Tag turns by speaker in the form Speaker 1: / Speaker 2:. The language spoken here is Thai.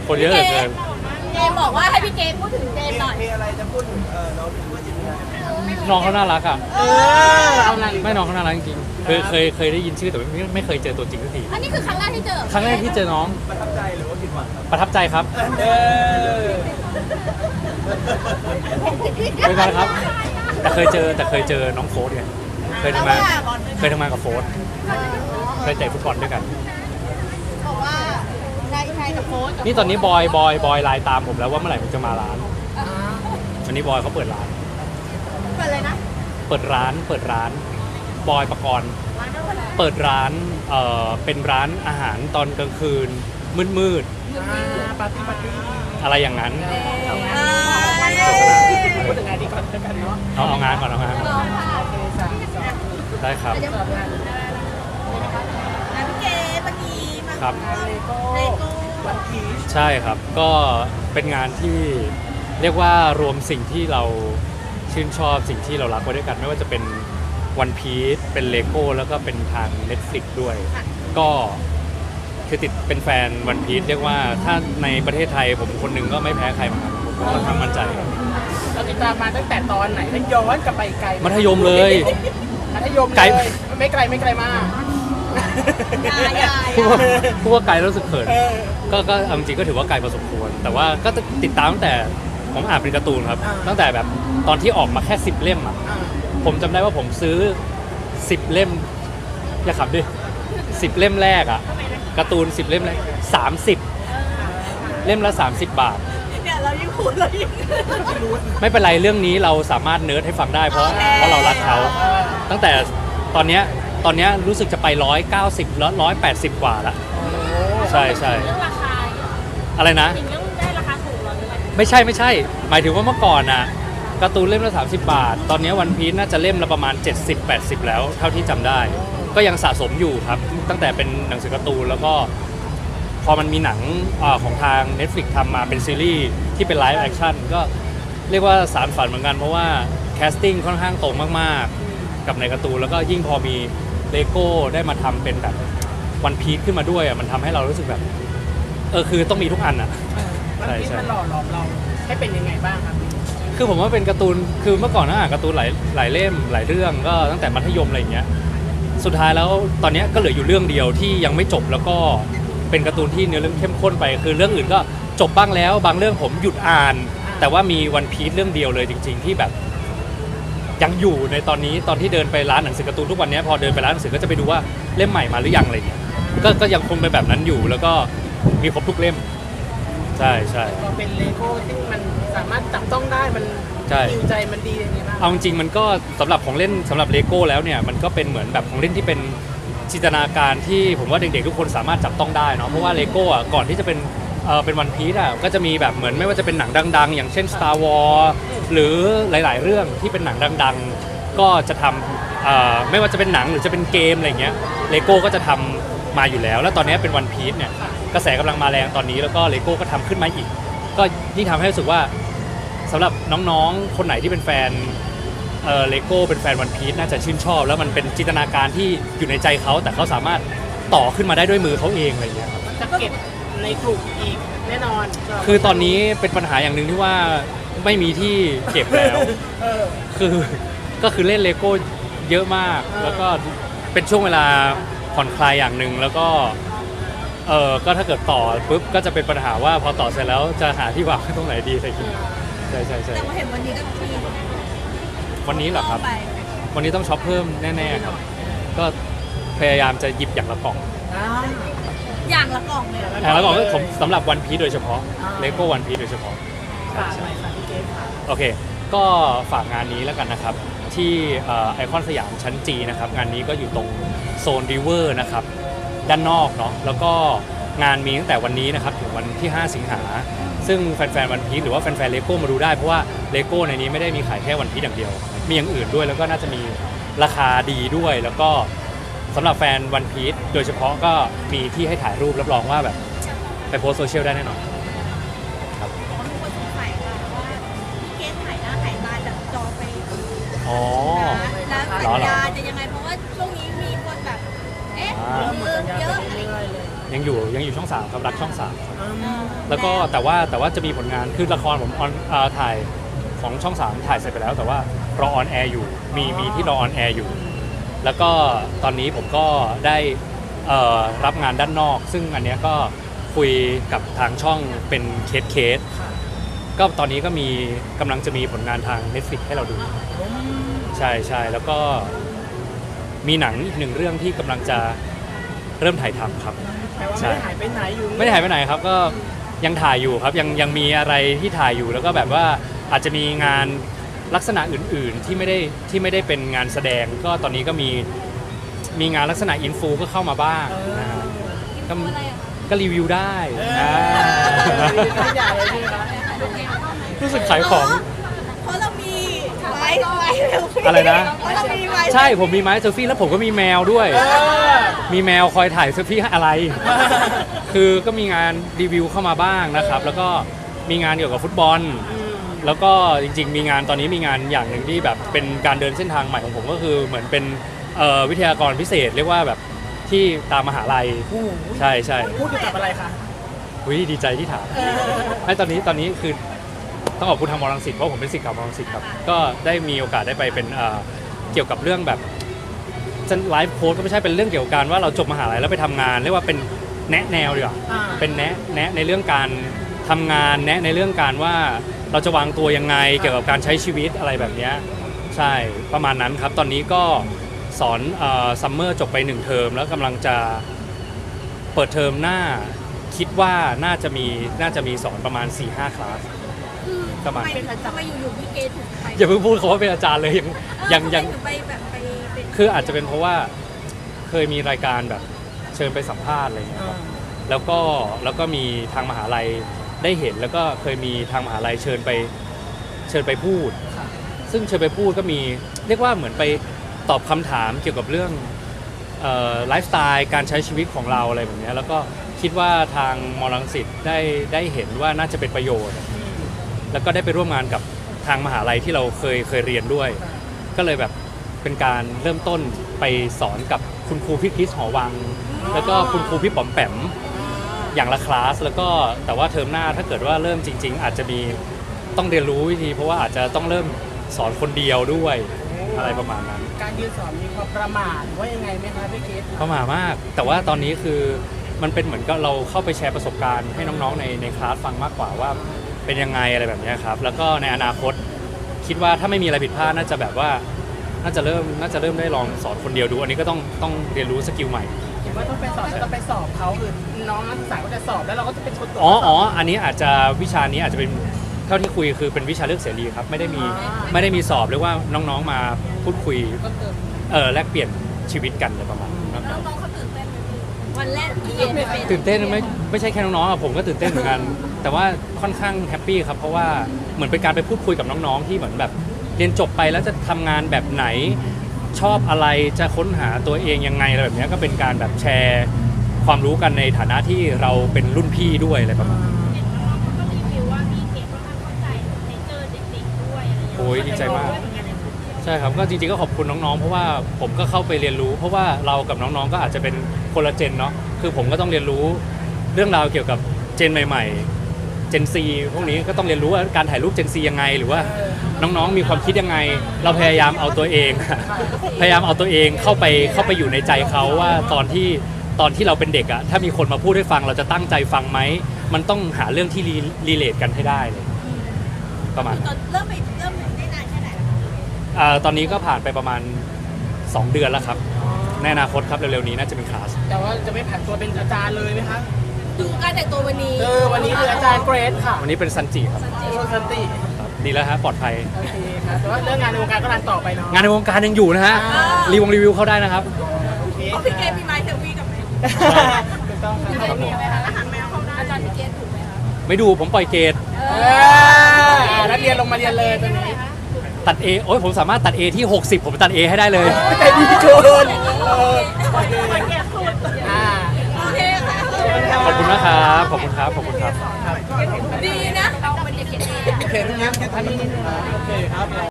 Speaker 1: คนเยอะเหลือเกิน
Speaker 2: เจมบอกว่าให้พี่เจมพูดถึงเจมหน่อย
Speaker 3: มีอะไรจะพูดถึงน้องว่าจิตวิญญาณ
Speaker 1: น้องเขาน่ารักอ่ะ
Speaker 3: เอาอะไร
Speaker 1: ไม่น้องเขาน่ารักจริงๆเคยได้ยินชื่อแต่ไม่เคยเจอตัวจริงสักที
Speaker 2: อันนี้คือครั้งแรกที่เจอ
Speaker 1: ครั้งแรกที่เจอน้อง
Speaker 3: ประทับใจหรือว่าผิดหวังครับ
Speaker 1: ประทับใจครับไม่ใช่ครับแต่เคยเจอน้องโฟร์ไงเคยทำงานกับโฟร์เคยเตะฟุตบอลด้วยกัน
Speaker 2: บอกว่าใครกับโค้ช
Speaker 1: นี่ตอนนี้บอยไลน์ตามผมแล้วว่าเมื่อไหร่ผมจะมาร้านวันนี้บอยเขาเปิดร้าน
Speaker 2: เปิดเลยนะ
Speaker 1: เปิดร้านบอยประกรณ์เปิดร้านเป็นร้านอาหารตอนกลางคืนมืด
Speaker 3: ปาร์ตี้
Speaker 1: อะไรอย่างนั้น
Speaker 3: พูดถึงงานดีก่อนแล้วกันเนาะ
Speaker 1: เอางานก่อนได้ครับ
Speaker 2: พี่เจเมื่อกี้มา
Speaker 1: ครับ
Speaker 3: เลโก้วันพีช
Speaker 1: ใช่ครับก็เป็นงานที่เรียกว่ารวมสิ่งที่เราชื่นชอบสิ่งที่เรารักไว้ด้วยกันไม่ว่าจะเป็นวันพีซเป็นเลโก้แล้วก็เป็นทาง Netflix ด้วยก็คือติดเป็นแฟนวันพีซเรียกว่าถ้าในประเทศไทยผมคนหนึ่งก็ไม่แพ้ใครเหมือนกันผมก็ค่อนข้างมั่นใจ
Speaker 3: เราติดตามมาตั้งแต่ตอนไหนแล้วย้อนกลับไปไกล
Speaker 1: มัธยมเลย
Speaker 3: ไกลไม่ไกลมาก
Speaker 1: พูดว่าไกลรู้สึกเขินก็จริงก็ถือว่าไกลพอสมควรแต่ว่าก็ติดตามตั้งแต่ผมอ่านเป็นการ์ตูนครับตั้งแต่แบบตอนที่ออกมาแค่10 เล่มอ่ะผมจำได้ว่าผมซื้อ10 เล่มอย่าขับดิ10 เล่มแรกอ่ะการ์ตูน10 เล่มแรก30 เล่มละ30 บาท
Speaker 2: เนี่ยเรายิ่งพูดเรายิ่ง
Speaker 1: ไม่เป็นไรเรื่องนี้เราสามารถเนิร์ดให้ฟังได้เพราะเรารักเขาตั้งแต่ตอนเนี้ยรู้สึกจะไป190แล้ว180 กว่าละใช่เ
Speaker 2: รื่องราคา
Speaker 1: อะไรนะ
Speaker 2: เรื่องได้ราคาถูกหรอ
Speaker 1: ไม่ใช่หมายถึงว่าเมื่อก่อนน่ะการ์ตูนเล่มละ30 บาทตอนนี้วันพีซน่าจะเล่มละประมาณ70-80แล้วเท่าที่จำได้ก็ยังสะสมอยู่ครับตั้งแต่เป็นหนังสือการ์ตูนแล้วก็พอมันมีหนังของทาง Netflix ทำมาเป็นซีรีส์ที่เป็นไลฟ์แอคชั่นก็เรียกว่าสารฝันเหมือนกันเพราะว่าแคสติ้งค่อนข้างตรงมากๆกับในการ์ตูนแล้วก็ยิ่งพอมีเลโก้ได้มาทำเป็นแบบวันพีซขึ้นมาด้วยมันทำให้เรารู้สึกแบบคือต้องมีทุกอันอ่ะ
Speaker 3: ใช่มันหล่อหลอมเราให้เป็นยังไงบ้างครับ
Speaker 1: คือผมว่าเป็นการ์ตูนคือเมื่อก่อนอ่านการ์ตูนหลายเล่มหลายเรื่องก็ตั้งแต่มัธยมอะไรอย่างเงี้ยสุดท้ายแล้วตอนนี้ก็เหลืออยู่เรื่องเดียวที่ยังไม่จบแล้วก็เป็นการ์ตูนที่เนื้อเรื่องเข้มข้นไปคือเรื่องอื่นก็จบบ้างแล้วบางเรื่องผมหยุดอ่านแต่ว่ามีวันพีซเรื่องเดียวเลยจริงๆที่แบบยังอยู่ในตอนนี้ตอนที่เดินไปร้านหนังสือการ์ตูนทุกวันนี้พอเดินไปร้านหนังสือก็จะไปดูว่าเล่มใหม่มาหรือยังอะไรเงี้ยก็ยังคงเป็นแบบนั้นอยู่แล้วก็มีครบทุกเล่มใช่
Speaker 3: ก็เป็นเลโก้ที่มันสามารถจับต้องได้มันฮิวใจมันดีอย่างนี้บ้าง
Speaker 1: เอาจริงมันก็สำหรับของเล่นสำหรับเลโก้แล้วเนี่ยมันก็เป็นเหมือนแบบของเล่นที่เป็นจินตนาการที่ผมว่าเด็กๆทุกคนสามารถจับต้องได้เนาะเพราะว่าเลโก้อ่ะก่อนที่จะเป็นวันพีซอ่ะก็จะมีแบบเหมือนไม่ว่าจะเป็นหนังดังๆอย่างเช่น Star Wars หรือหลายๆเรื่องที่เป็นหนังดังๆก็จะทำไม่ว่าจะเป็นหนังหรือจะเป็นเกมอะไรเงี้ยเลโก้ก็จะทำมาอยู่แล้วแล้วตอนนี้เป็นวันพีซเนี่ยกระแสกำลังมาแรงตอนนี้แล้วก็เลโก้ก็ทำขึ้นมาอีกก็ยิ่งทำให้รู้สึกว่าสำหรับน้องๆคนไหนที่เป็นแฟนเลโก้เป็นแฟนวันพีซน่าจะชื่นชอบแล้วมันเป็นจินตนาการที่อยู่ในใจเขาแต่เขาสามารถต่อขึ้นมาได้ด้วยมือเขาเองอะไรเงี้ย
Speaker 3: จะเก็บในกลุ่มอีกแน่นอน
Speaker 1: คือตอนนี้เป็นปัญหาอย่างหนึ่งที่ว่าไม่มีที่เก็บแล้วก็คือเล่นเลโก้เยอะมากแล้วก็เป็นช่วงเวลาผ่อนคลายอย่างหนึ่งแล้วก็ก็ถ้าเกิดต่อปุ๊บก็จะเป็นปัญหาว่าพอต่อเสร็จแล้วจะหาที่วางตรงไหนดีใช่
Speaker 2: แต่ว่าเห็นวันนี้ก็มี
Speaker 1: วันนี้เหรอครับวันนี้ต้องช็อปเพิ่มแน่ๆครับก็พยายามจะหยิบอย่างละกล่อง
Speaker 2: อย่างละกล่องเลย
Speaker 1: อย่างละกล่องก็ผมสำหรับวันพีซโดยเฉพาะเลโก้วันพีซโดยเฉพาะโอเคก็ฝากงานนี้แล้วกันนะครับที่ไอคอนสยามชั้นจีนะครับงานนี้ก็อยู่ตรงโซนริเวอร์นะครับด้านนอกเนาะแล้วก็งานมีตั้งแต่วันนี้นะครับถึงวันที่5 สิงหาซึ่งแฟนๆวันพีซหรือว่าแฟนๆเลโก้มาดูได้เพราะว่าเลโก้ในนี้ไม่ได้มีขายแค่วันพีซอย่างเดียวมีอย่างอื่นด้วยแล้วก็น่าจะมีราคาดีด้วยแล้วก็สำหรับแฟนวันพีซโดยเฉพาะก็มีที่ให้ถ่ายรูปรับรองว่าแบบไปโพสโซเชียลได้แน่นอนครับ
Speaker 2: คนสงสัยว่าพี่เกสถ่ายหน้าถ่ายตาจากจอไป
Speaker 1: อ๋อ
Speaker 2: แล้วสัญญาจะยังไงเพราะว่าช่วงนี้มีคนแบบเยอะอะไร
Speaker 1: ยังอยู่ช่อง3ครับรักช่อง3ครับแล้วก็แต่ว่าจะมีผลงานคือละครผมถ่ายของช่อง3ถ่ายเสร็จไปแล้วแต่ว่ารอออนแอร์อยู่มีที่รอออนแอร์อยู่ แล้วก็ตอนนี้ผมก็ได้รับงานด้านนอก ซึ่งอันเนี้ยก็คุยกับทางช่องเป็นเคสก็ตอนนี้ก็กำลังจะมีผลงานทาง Netflix ให้เราดูใช่แล้วก็มีหนังอีก1เรื่องที่กำลังจะเริ่มถ่ายทำครับ
Speaker 3: แต่ว่าไม่ได้หายไปไหนอยู่
Speaker 1: ไม่ได้หายไปไหนครับก็ยังถ่ายอยู่ครับยังมีอะไรที่ถ่ายอยู่แล้วก็แบบว่าอาจจะมีงานลักษณะอื่นๆที่ไม่ได้เป็นงานแสดงก็ตอนนี้ก็มีงานลักษณะอินฟูก็เข้ามาบ้างนะฮะก็รีวิวได้
Speaker 3: ไม่ใหญ่เลยใช่ไหมคะ
Speaker 1: รู้สึกขายของ
Speaker 2: เพราะเรามีไม้เซลฟี่
Speaker 1: อะไรนะ
Speaker 2: เพราะเรามีไม้
Speaker 1: ใช่ผมมีไม้เซลฟี่แล้วผมก็มีแมวด้วย มีแมวคอยถ่ายเซลฟี่ให้อะไร คือก็มีงานรีวิวเข้ามาบ้างนะครับ แล้วก็มีงานเกี่ยวกับฟุตบอล แล้วก็จริงๆมีงานตอนนี้มีงานอย่างหนึ่งที่แบบเป็นการเดินเส้นทางใหม่ของผมก็คือเหมือนเป็นวิทยากรพิเศษเรียกว่าแบบที่ตามมหาลัยใช่
Speaker 3: พูดเกี่ยวกับอะไรคะ
Speaker 1: ดีใจที่ถามไอ้ตอนนี้คือต้องขอบคุณทางมรังสิตเพราะผมเป็นศิษย์เก่ามรังสิตครับก็ได้มีโอกาสได้ไปเป็นเกี่ยวกับเรื่องแบบไลฟ์โค้ชก็ไม่ใช่เป็นเรื่องเกี่ยวกับการว่าเราจบมหาลัยแล้วไปทำงานเรียกว่าเป็นแนะแนวดีกว่าเป็นแนะในเรื่องการทำงานแนะในเรื่องการว่าเราจะวางตัวยังไงเกี่ยวกับการใช้ชีวิตอะไรแบบนี้ใช่ประมาณนั้นครับตอนนี้ก็สอนซัมเมอร์จบไป1เทอมแล้วกำลังจะเปิดเทอมหน้าคิดว่าน่าจะมีสอนประมาณ 4-5 คลาสประมาณ
Speaker 2: ทำไมอยู่ๆพี่เกดถึงไป
Speaker 1: อย่าเพิ่งพูดเขาว่าเป็นอาจารย์เลยยัง
Speaker 2: ไปแบบไปเป็น
Speaker 1: คืออาจจะเป็นเพราะว่าเคยมีรายการแบบเชิญไปสัมภาษณ์อะไรอย่างเงี้ยครับแล้วก็มีทางมหาลัยได้เห็นแล้วก็เคยมีทางมหาลัยเชิญไปพูดซึ่งเชิญไปพูดก็มีเรียกว่าเหมือนไปตอบคำถามเกี่ยวกับเรื่องไลฟ์สไตล์การใช้ชีวิตของเราอะไรแบบนี้แล้วก็คิดว่าทางมรังสิตได้เห็นว่าน่าจะเป็นประโยชน์แล้วก็ได้ไปร่วมงานกับทางมหาลัยที่เราเคยเรียนด้วยก็เลยแบบเป็นการเริ่มต้นไปสอนกับคุณครูพี่คริสหอวังแล้วก็คุณครูพี่ป๋อมแปมอย่างละคลาสแล้วก็แต่ว่าเทอมหน้าถ้าเกิดว่าเริ่มจริงๆอาจจะมีต้องเรียนรู้วิธีเพราะว่าอาจจะต้องเริ่มสอนคนเดียวด้วยอะไรประมาณนั้น
Speaker 3: การยืนสอนมีความประมาทว่ายังไงไหมคะพี่เกด
Speaker 1: ประมาทมากแต่ว่าตอนนี้คือมันเป็นเหมือนกับเราเข้าไปแชร์ประสบการณ์ให้น้องๆในคลาสฟังมากกว่าว่าเป็นยังไงอะไรแบบนี้ครับแล้วก็ในอนาคตคิดว่าถ้าไม่มีอะไรผิดพลาดน่าจะแบบว่าน่าจะเริ่มได้ลองสอนคนเดียวดูอันนี้ก็ต้องเรียนรู้สกิลใหม่
Speaker 3: เห็นว่าต้องไปสอบแล้วต้องไปสอบเขาคือน้องนักศึกษาก็จะสอบแล้วเราก็จะเป็นคนตรวจ
Speaker 1: อันนี้อาจจะวิชานี้อาจจะเป็นเท่าที่คุยคือเป็นวิชาเลือกเสรีครับไม่ได้มีสอบเรียกว่าน้องๆมาพูดคุยแลกเปลี่ยนชีวิตกันอะไรประมาณนั้น
Speaker 2: น้องๆเขาตื่นเต้นไหมวันแรกที่เรียนเป็น
Speaker 1: ตื่นเต้นไม่ใช่แค่น้องๆผมก็ตื่นเต้นเหมือนกันแต่ว่าค่อนข้างแฮปปี้ครับเพราะว่าเหมือนเป็นการไปพูดคุยกับน้องๆที่เหมือนแบบเรียนจบไปแล้วจะทำงานแบบไหนชอบอะไรจะค้นหาตัวเองยังไงอะไรแบบนี้ก็เป็นการแบบแชร์ความรู้กันในฐานะที่เราเป็นรุ่นพี่ด้วยอะไรประมาณนั้นโอ้ยดีใจมากใช่ครับก็จริงๆก็ขอบคุณน้องๆเพราะว่าผมก็เข้าไปเรียนรู้เพราะว่าเรากับน้องๆก็อาจจะเป็นคนละเจนเนาะคือผมก็ต้องเรียนรู้เรื่องราวเกี่ยวกับเจนใหม่ๆเจนซีพวกนี้ก็ต้องเรียนรู้ว่าการถ่ายรูปเจนซียังไงหรือว่าน้องๆมีความคิดยังไงเราพยายามเอาตัวเองเข้าไปอยู่ในใจเขาว่าตอนที่เราเป็นเด็กอะถ้ามีคนมาพูดให้ฟังเราจะตั้งใจฟังไหมมันต้องหาเรื่องที่รีเลทกันให้ได้เลยประมาณ
Speaker 2: เริ่มได้นานแค่ไหน
Speaker 1: ตอนนี้ก็ผ่านไปประมาณ2 เดือนแล้วครับในอนาคตครับเร็วๆนี้น่าจะเป็นคลาส
Speaker 3: แต่ว่าจะไม่ผ่านตัวเป็นอาจารย์เลยไหมคะ
Speaker 2: ดูการแต่งตัววันนี้
Speaker 3: วันนี้คืออาจารย์เกรดค่ะ
Speaker 1: วันนี้เป็นซันจิครับ
Speaker 3: ซันจิ
Speaker 1: ดีแล้วฮะปลอดภัย
Speaker 3: โอเคครับแต่ว่าเรื่องงานในวงการก็รันต่อไปเนาะ
Speaker 1: งานในวงการยังอยู่นะฮะรีวิวเข้าได้นะครับ
Speaker 2: พี่เกดมีไม้เซลฟี่กับไหม
Speaker 3: ถูกต้องครับ
Speaker 2: มีไหมคะอาหารแมวเข้าได้อาจารย์พี่เกดถูกไหมคะ
Speaker 1: ไม่ดูผมปล่อยเกรด
Speaker 3: นักเรียนลงมาเรียนเลยตอนนี้
Speaker 1: ตัด A โอ้ยผมสามารถตัด A ที่60ผมตัด A ให้ได้เลย
Speaker 3: แต่ดีเกิน
Speaker 1: ขอบคุณนะครับขอบคุณครับ
Speaker 2: ดีนะเราเป็นเด็กเขียนเอง
Speaker 3: โอเคงั้นแค่ท่านนี้โอเคครับ